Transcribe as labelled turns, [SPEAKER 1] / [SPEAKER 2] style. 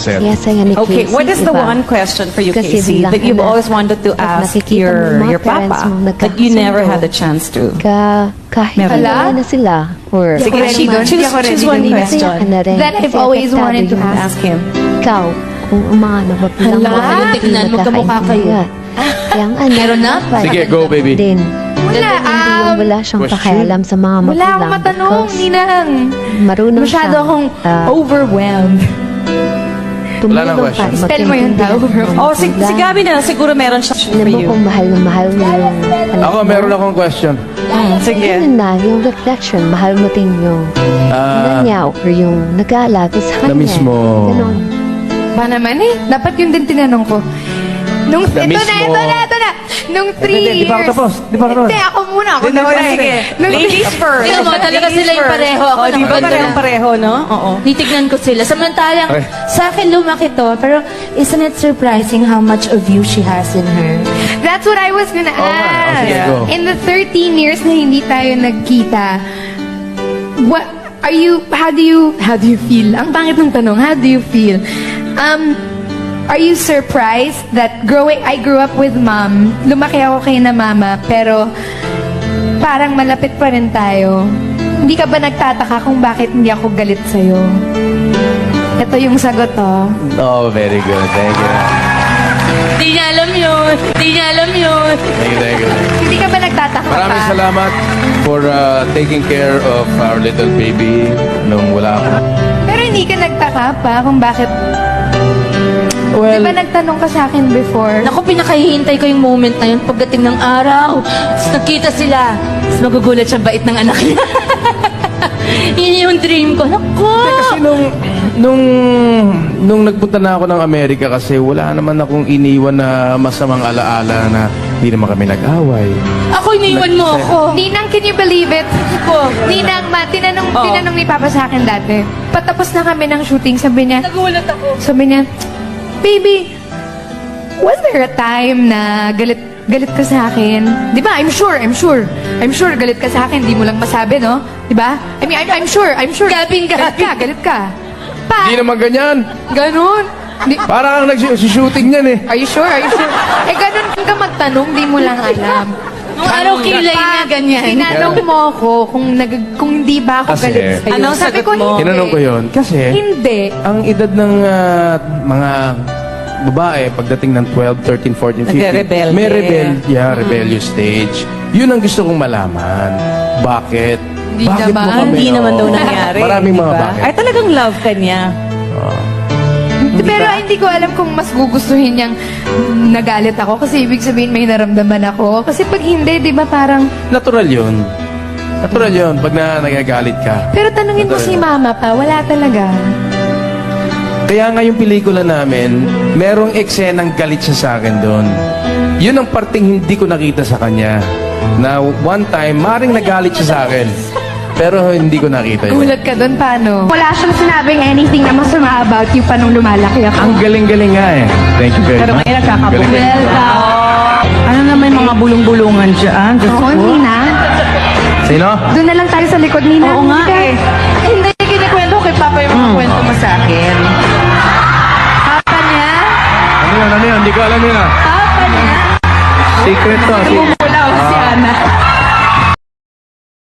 [SPEAKER 1] set.
[SPEAKER 2] Kaya saya ni
[SPEAKER 3] Okay,
[SPEAKER 2] Casey,
[SPEAKER 3] what is the
[SPEAKER 2] diba?
[SPEAKER 3] one question for you,
[SPEAKER 2] Kasi
[SPEAKER 3] Casey,
[SPEAKER 2] bilang
[SPEAKER 3] that you've
[SPEAKER 2] anak,
[SPEAKER 3] always wanted to
[SPEAKER 2] pag
[SPEAKER 3] ask
[SPEAKER 2] nakikita mo yung
[SPEAKER 3] your
[SPEAKER 2] mga parents
[SPEAKER 3] papa,
[SPEAKER 2] mong
[SPEAKER 3] but you never
[SPEAKER 2] nagkakasundo,
[SPEAKER 3] had the chance to?
[SPEAKER 2] Kahit
[SPEAKER 3] Meron.
[SPEAKER 2] wala na sila. Or
[SPEAKER 3] Sige,
[SPEAKER 4] ready doon. Hindi ako ready
[SPEAKER 3] choose one
[SPEAKER 4] doon.
[SPEAKER 3] question.
[SPEAKER 2] Masaya ka na rin.
[SPEAKER 4] That I've
[SPEAKER 2] Kasi
[SPEAKER 4] always
[SPEAKER 2] apektado
[SPEAKER 4] wanted to
[SPEAKER 2] yung
[SPEAKER 3] Ask him.
[SPEAKER 2] ikaw, kung umaano ba bilang
[SPEAKER 4] Hala?
[SPEAKER 2] mga hindi
[SPEAKER 5] Tignan, magkamukha kayo.
[SPEAKER 2] magkakaintindihan. Kaya ang anak,
[SPEAKER 5] Meron na?
[SPEAKER 2] dapat
[SPEAKER 1] Sige, go, baby.
[SPEAKER 2] din.
[SPEAKER 4] Wala,
[SPEAKER 2] Hindi yung wala siyang
[SPEAKER 1] question?
[SPEAKER 2] pakialam sa mga magulang.
[SPEAKER 4] wala akong matanong,
[SPEAKER 2] because
[SPEAKER 4] Ninang.
[SPEAKER 2] marunong
[SPEAKER 4] Masyado
[SPEAKER 2] siyang,
[SPEAKER 4] akong overwhelmed.
[SPEAKER 1] Wala nang
[SPEAKER 2] tumulong
[SPEAKER 1] question.
[SPEAKER 2] para
[SPEAKER 4] Spell mo yun daw.
[SPEAKER 2] magkaintindihan ng
[SPEAKER 3] Oh, si
[SPEAKER 2] magulang.
[SPEAKER 3] Gabby na lang, siguro meron siya
[SPEAKER 2] Alam
[SPEAKER 3] for
[SPEAKER 2] mo
[SPEAKER 3] you.
[SPEAKER 2] kung mahal na mahal mo yung anak
[SPEAKER 1] Ako,
[SPEAKER 2] mo.
[SPEAKER 1] meron akong question.
[SPEAKER 3] Sige.
[SPEAKER 2] Yun na, yung reflection, mahal mo din yung nanyaw or yung nag-aalaga sa kanya.
[SPEAKER 1] na mismo.
[SPEAKER 2] Ganon.
[SPEAKER 4] Ba naman eh? Dapat yun din tinanong ko. Nung, ito
[SPEAKER 1] Na
[SPEAKER 4] na,
[SPEAKER 1] mismo.
[SPEAKER 4] ito na, ito na. Nung 3 years.
[SPEAKER 1] Di pa ako tapos. Di pa ako tapos.
[SPEAKER 4] Hindi, ako muna. Ako
[SPEAKER 3] Hindi,
[SPEAKER 4] muna.
[SPEAKER 3] sige.
[SPEAKER 4] Nung
[SPEAKER 3] Ladies first.
[SPEAKER 5] Tingnan mo, talaga sila yung pareho. Ako
[SPEAKER 3] Oh, di ba
[SPEAKER 5] nakabando lang.
[SPEAKER 3] pareho, no? Oo.
[SPEAKER 5] Titignan ko sila. Samantalang,
[SPEAKER 1] Okay.
[SPEAKER 5] sa akin lumaki to, pero isn't it surprising how much of you she has in her?
[SPEAKER 4] That's what I was gonna ask.
[SPEAKER 1] sige, go.
[SPEAKER 4] In the 13 years na hindi tayo nagkita, what are you, how do you feel? Ang pangit ng tanong, how do you feel? Are you surprised that I grew up with mom, lumaki ako kay na mama, pero parang malapit pa rin tayo. Hindi ka ba nagtataka kung bakit hindi ako galit sa'yo? Ito yung sagot, oh.
[SPEAKER 1] Oh, very good. Thank you.
[SPEAKER 5] Di niya alam yun. Di niya alam yun.
[SPEAKER 1] Thank you, thank you.
[SPEAKER 4] Hindi ka ba nagtataka
[SPEAKER 1] Maraming
[SPEAKER 4] pa?
[SPEAKER 1] salamat for taking care of our little baby nung wala ako.
[SPEAKER 4] Pero hindi ka nagtaka pa kung bakit. Di
[SPEAKER 1] Well,
[SPEAKER 4] ba nagtanong ka sa akin before?
[SPEAKER 5] Naku, pinakahihintay ko yung moment na yun pagdating ng araw. Tapos nakita sila. Tapos magugulat siya bait ng anak niya. Yun yung dream ko. Naku!
[SPEAKER 1] kasi nung nagpunta na ako ng Amerika kasi wala naman akong iniwan na masamang alaala na hindi naman kami nag-away.
[SPEAKER 5] Ako, iniwan mo ako.
[SPEAKER 4] Ninang, can you believe it?
[SPEAKER 5] Ko.
[SPEAKER 4] Ninang, tinanong ni Papa sa akin dati. Patapos na kami ng shooting, sabi niya,
[SPEAKER 5] Nagulat ako.
[SPEAKER 4] Baby, was there a time na galit ka sa akin? Di ba? I'm sure galit ka sa akin, di mo lang masabi, no? Di ba? I mean, I'm sure.
[SPEAKER 5] Gabing ka.
[SPEAKER 4] Galit ka.
[SPEAKER 1] Hindi naman ganyan.
[SPEAKER 4] Ganon.
[SPEAKER 1] Parang nag-shooting niyan eh.
[SPEAKER 4] Are you sure? Eh, ganon ka magtanong, di mo lang alam.
[SPEAKER 5] Nung araw kilay niya, ganyan.
[SPEAKER 4] Tinanong mo ako kung hindi ba ako
[SPEAKER 1] Kasi-
[SPEAKER 4] galit sa'yo.
[SPEAKER 3] Anong
[SPEAKER 4] Sabi
[SPEAKER 3] sagot
[SPEAKER 4] ko,
[SPEAKER 3] mo?
[SPEAKER 4] hindi.
[SPEAKER 1] Tinanong ko yun kasi
[SPEAKER 4] Hindi.
[SPEAKER 1] ang edad ng mga babae pagdating ng 12, 13, 14, 15,
[SPEAKER 3] Nagre-rebelde.
[SPEAKER 1] may rebellious stage. Yun ang gusto kong malaman. Bakit?
[SPEAKER 4] Hindi
[SPEAKER 1] Bakit
[SPEAKER 4] naman.
[SPEAKER 1] mo kami?
[SPEAKER 3] Hindi naman daw
[SPEAKER 1] Oo.
[SPEAKER 3] nangyari.
[SPEAKER 1] Maraming mga
[SPEAKER 3] diba?
[SPEAKER 1] bakit.
[SPEAKER 3] Ay, talagang love ka niya.
[SPEAKER 4] Pero hindi ko alam kung mas gugustuhin niyang nagalit ako kasi ibig sabihin may naramdaman ako. Kasi pag hindi, di ba parang...
[SPEAKER 1] Natural yun. Natural yun pag nagagalit ka.
[SPEAKER 4] Pero tanungin mo si mama pa, wala talaga.
[SPEAKER 1] Kaya nga yung pelikula namin, merong eksenang galit siya sa akin doon. Yun ang parting hindi ko nakita sa kanya. Na one time, maring nagalit siya sa akin. Pero hindi ko nakita yun.
[SPEAKER 4] Gulat ka doon, paano?
[SPEAKER 6] Wala siyang sinabing anything na masama about you pa nung lumalaki ako.
[SPEAKER 1] Ang galing-galing nga eh. Thank you very
[SPEAKER 3] Pero
[SPEAKER 1] much.
[SPEAKER 3] ngayon nagkakabuti.
[SPEAKER 6] Welcome.
[SPEAKER 7] Ano naman yung mga bulong-bulungan dyan? Diyos
[SPEAKER 6] Oo,
[SPEAKER 7] ko.
[SPEAKER 6] Nina.
[SPEAKER 1] Sino?
[SPEAKER 6] Doon na lang tayo sa likod, Nina.
[SPEAKER 7] Oo nga
[SPEAKER 6] Halika.
[SPEAKER 7] eh. Hindi, kinikwento ko kay Papa yung mga kwento mo sa akin.
[SPEAKER 4] Papa niya?
[SPEAKER 1] Ano yun? Hindi ko alam yun ah.
[SPEAKER 4] Papa niya?
[SPEAKER 1] Secret to.
[SPEAKER 4] Wala ako si Ana.